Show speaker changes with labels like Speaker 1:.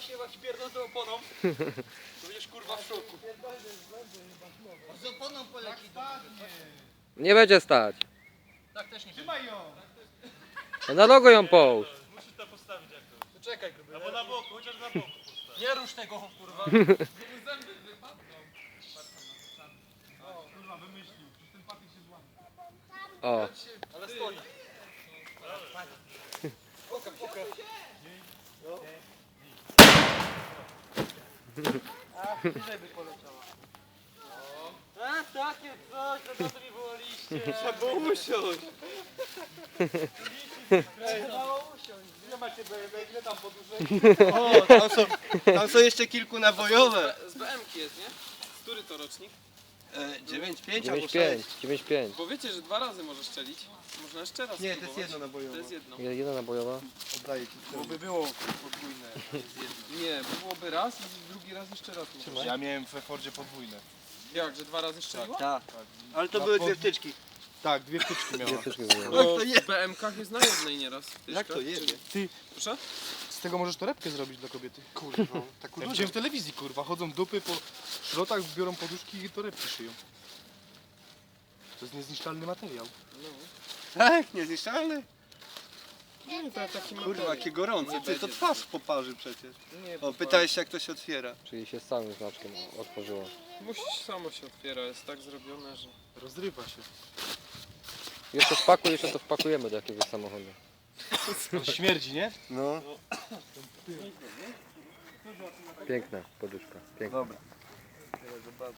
Speaker 1: się jak pierdolę tą oponą, to będziesz kurwa w szoku.
Speaker 2: Z oponą poleci.
Speaker 3: Nie będzie stać.
Speaker 1: Tak też nie
Speaker 2: Trzymaj ją.
Speaker 3: No na logo ją połóż.
Speaker 4: Musisz to postawić jakoś.
Speaker 1: To czekaj gruby.
Speaker 4: Albo na boku, chociaż na boku postaw.
Speaker 1: Nie rusz tego kurwa.
Speaker 2: Zęby wypadną.
Speaker 4: O, kurwa, wymyślił. Przecież ten patyk się złamie.
Speaker 3: O.
Speaker 1: Ale stoi. Pokaż, pokaż. A, bliżej by poleciała. A, takie coś, no to mi wołaliście.
Speaker 2: Trzeba było usiąść.
Speaker 1: Trzeba usiąść.
Speaker 4: Ile macie BMX? Ile tam poduszek?
Speaker 2: O, tam są jeszcze kilku nabojowe.
Speaker 5: Z BM-ki jest, nie? Który to rocznik?
Speaker 2: 9,5 albo
Speaker 3: 9,5.
Speaker 2: 6.
Speaker 3: 9,5.
Speaker 5: Bo wiecie, że 2 razy możesz strzelić. Można jeszcze raz
Speaker 2: Nie, to jest
Speaker 5: spróbować.
Speaker 2: jedno nabojowe.
Speaker 5: To jest jedno.
Speaker 3: Jedna nabojowa.
Speaker 2: Oddaję ci.
Speaker 4: Bo by było podwójne.
Speaker 5: Nie, bo byłoby raz i drugi raz jeszcze raz. możesz.
Speaker 4: Ja miałem we Fordzie podwójne.
Speaker 5: Jak, że 2 razy strzeliło?
Speaker 2: Tak. Ale to
Speaker 4: Na
Speaker 2: były
Speaker 4: pod-
Speaker 2: dwie wtyczki.
Speaker 4: Tak, dwie wtyczki
Speaker 3: Dwie
Speaker 4: miałem.
Speaker 3: wtyczki zrobione.
Speaker 5: Bo
Speaker 2: to je-
Speaker 5: w BM-kach jest na jednej nieraz.
Speaker 2: Jak to
Speaker 5: wtyczka,
Speaker 2: jebie?
Speaker 5: czyli-
Speaker 4: Ty,
Speaker 5: Proszę?
Speaker 4: z tego możesz torebkę zrobić dla kobiety.
Speaker 2: Kurwa, tak
Speaker 4: Ja widziałem w telewizji, kurwa, chodzą dupy po szrotach, biorą poduszki i torebki szyją. To jest niezniszczalny materiał.
Speaker 2: Tak, niezniszczalny.
Speaker 5: Nie, to taki
Speaker 2: Kurwa, jakie gorące. Ty, to twarz poparzy przecież.
Speaker 5: Nie,
Speaker 2: O, pytałeś się jak to się otwiera.
Speaker 3: Czyli się z całym znaczkiem otworzyło.
Speaker 5: Musisz, samo się otwiera, jest tak zrobione, że...
Speaker 4: Rozrywa się.
Speaker 3: Jeszcze wpakuj, jeszcze to wpakujemy do jakiegoś samochodu.
Speaker 4: Śmierdzi, nie?
Speaker 2: No.
Speaker 3: Piękna poduszka. Piękna.
Speaker 2: Dobra.